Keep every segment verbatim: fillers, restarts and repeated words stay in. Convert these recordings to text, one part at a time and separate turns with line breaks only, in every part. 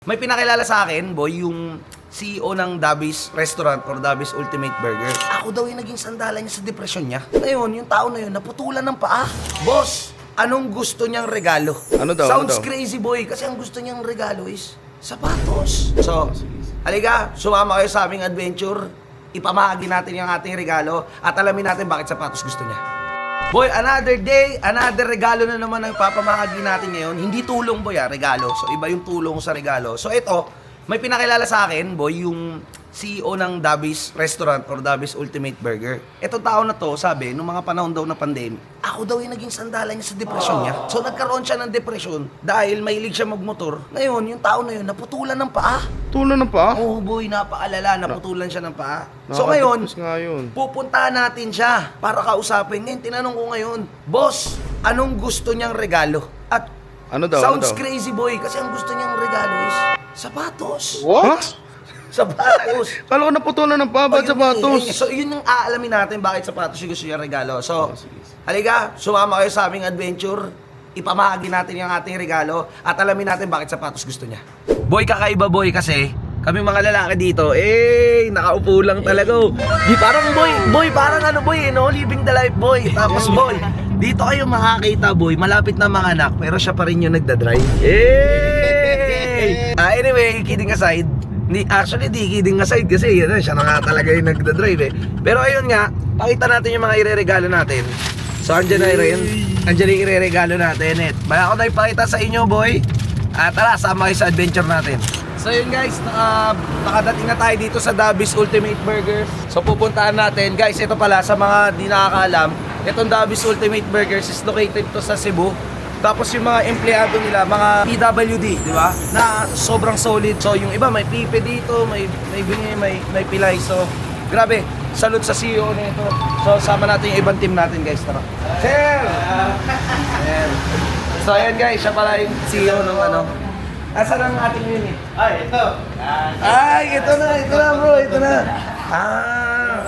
May pinakilala sa akin, boy, yung C E O ng Davis Restaurant or Davis Ultimate Burger. Ako daw yung naging sandalan niya sa depresyon niya. Ngayon, yung tao na yun, naputulan ng paa. Boss, anong gusto niyang regalo?
Ano daw?
Sounds
ano daw?
crazy, boy, kasi ang gusto niyang regalo is sapatos. So, halika, sumama kayo sa aming adventure. Ipamahagi natin yung ating regalo at alamin natin bakit sapatos gusto niya. Boy, another day, another regalo na naman ang papamahagi natin ngayon. Hindi tulong, boy, ah, regalo. So, iba yung tulong sa regalo. So, ito, may pinakilala sa akin, boy, yung C E O ng Davis Restaurant or Davis Ultimate Burger. Itong tao na to, sabi, nung mga panahon daw na pandemic, ako daw yung naging sandalan niya sa depresyon niya. So, nagkaroon siya ng depresyon dahil mahilig siya magmotor. Ngayon, yung tao na yun, naputulan ng paa.
Tulo na pa?
Oh, boy, napaalala, naputulan siya ng paa. So, ngayon,
Nakakatapos nga yun.
pupuntahan natin siya para kausapin. Ngayon, tinanong ko ngayon, boss, anong gusto niyang regalo? At
Ano daw?
sounds
ano daw?
crazy, boy, kasi ang gusto niyang regalo is sapatos.
What?
Sapatos.
Kala ko naputulan ng pa,
Oh,
ba't
yun
sapatos?
eh. So, yun yung aalamin natin bakit sapatos yung gusto niyang regalo. So, halika, sumama kayo sa aming adventure. Ipamahagi natin yung ating regalo at alamin natin bakit sapatos gusto niya. Boy, kakaiba, boy, kasi kami mga lalaki dito, eh, nakaupo lang talaga. oh. Di parang boy, boy, parang ano boy, no? Living the life, boy. Tapos boy, dito kayo makakita, boy, malapit na mga anak, pero siya pa rin yung nagdadrive. Eh! Ah, anyway, kidding aside, Di, actually, di kidding aside kasi yun, siya na nga talaga yung nagdadrive eh. Pero ayun nga, pakita natin yung mga ireregalo natin. So, andyan na rin. Andyan yung ireregalo natin. Eh. Bala ko na ipakita sa inyo, boy. Ah, tara, sama kayo sa adventure natin. So yun guys, naka, nakadating na tayo dito sa Davis Ultimate Burgers. So pupuntahan natin, guys, ito pala sa mga di nakakaalam, itong Davis Ultimate Burgers is located to sa Cebu. Tapos yung mga empleyado nila, mga P W D, di ba? Na sobrang solid. So yung iba may pipe dito, may may bingi, may may pilay. So grabe, salute sa C E O nito. So sama natin yung ibang team natin, guys, tara. Sir! Ayan. So ayan guys, siya pala yung C E O ng ano. Asan ang ating unit?
Ay, ito.
Ay, ito na, ito na bro, ito na. Ah.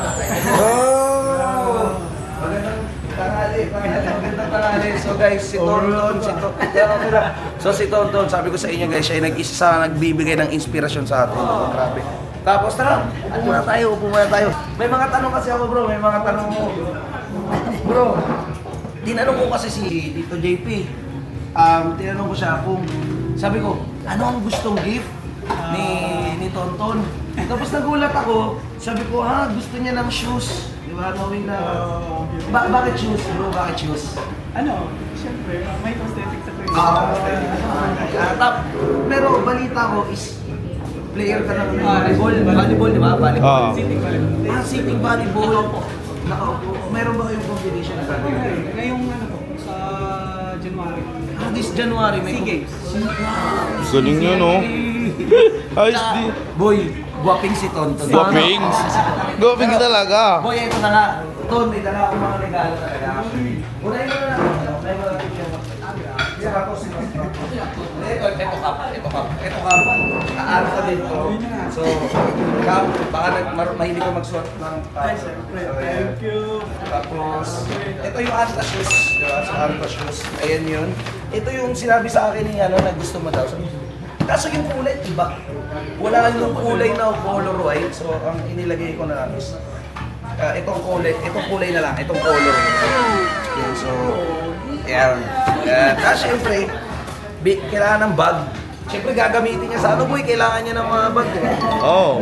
Oh. Magandang tanghali, magandang tanghali. So guys, si Tonton, si Tonton. So si Tonton, sabi ko sa inyo guys, siya ay nag-isa sa nagbibigay ng inspirasyon sa atin. Oh, grabe. Tapos tara, upo muna tayo, upo muna tayo. May mga tanong kasi ako bro, may mga tanong mo. Bro, tinanong ko kasi si Tito J P. Um, tinanong ko siya kung, sabi ko, ano ang gustong gift ni ni Tonton? Tapos nagulat ako, sabi ko, ha, gusto niya ng shoes. Di ba, knowing na, ba bakit shoes, bro? Bakit shoes?
Ano, siyempre, may prosthetics ako yun.
Ah, ah, tap, pero balita ko is, player ka ng volleyball, volleyball, di ba? Volleyball.
Ah.
Sitting pa rin.
Ah, sitting volleyball. Nakaupo. Meron ba kayong competition na sabi?
Ngayong ano po, sa January.
Ah, this January may
SEA Games.
Galing yun, oh. Ayos
Ah,
di.
boy, guwaping si Tonton.
Guwaping? Guwaping ka talaga.
Boy, ito na nga. Ton, may dala akong mga regalo talaga. Unahin mo na lang. Unahin mo na lang siya. Sapatos, sapatos. Ito, ito kap. Ito kap. Ito kap. Kaano ka dito. So, kap, baka nag, mar- mahilig ka magsuot ng
Ay, siyempre. Thank you.
Tapos, ito yung Anta shoes. Diba? So, Anta shoes. Ayan yun. Ito yung sinabi sa akin ni ano, na gusto mo daw. Sabi, kaso yung kulay, iba. Wala yung kulay na color white. So, ang inilagay ko na lang is, uh, itong kulay, itong kulay na lang, itong color. Yan, so, yan. Yan. Tapos, syempre, bi- kailangan ng bag. Syempre, gagamitin niya sa ano, boy, kailangan niya ng mga bag. Eh.
Oh.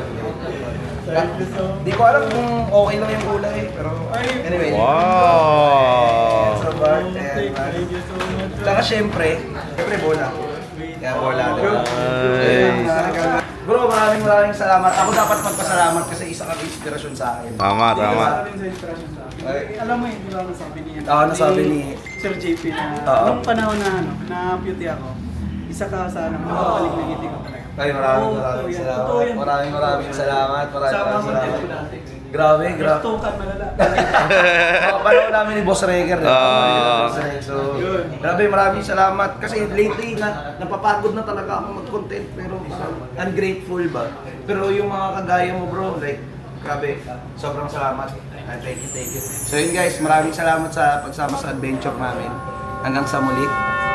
Di ko alam kung okay lang yung kulay, pero anyway.
Wow.
So, bag,
Thank
ayan, bag.
thank you so much.
Tsaka syempre, syempre bola. Kaya bola. diba?
Nice.
Bro, maraming maraming salamat. Ako dapat magpasalamat kasi isa kang inspirasyon sa akin.
Tama, tama.
Isa rin sa inspiration sa akin.
Ay.
Alam mo yun, di ba nasabi niya?
Oo, nasabi ni-
Sir J P na,
Oo.
nung panahon na ano, na beauty ako, isa ka sa ano, makabalik na ngiti ko talaga.
Ay, maraming
Oo,
maraming
totoo yan.
salamat.
Totoo yan.
Maraming maraming salamat. Maraming
Sama
maraming
mo din ko
salamat.
dati.
Grabe, grabe.
Tukan malala.
Oh, panahon namin ni Boss Reger. diba?
Ah.
So, grabe, maraming salamat. Kasi lately, na, napapagod na talaga ako mag-content. Pero parang ungrateful ba? Pero yung mga kagaya mo bro, like, grabe, sobrang salamat. Ah, thank you, thank you. So yun guys, maraming salamat sa pagsama sa adventure namin. Hanggang sa muli.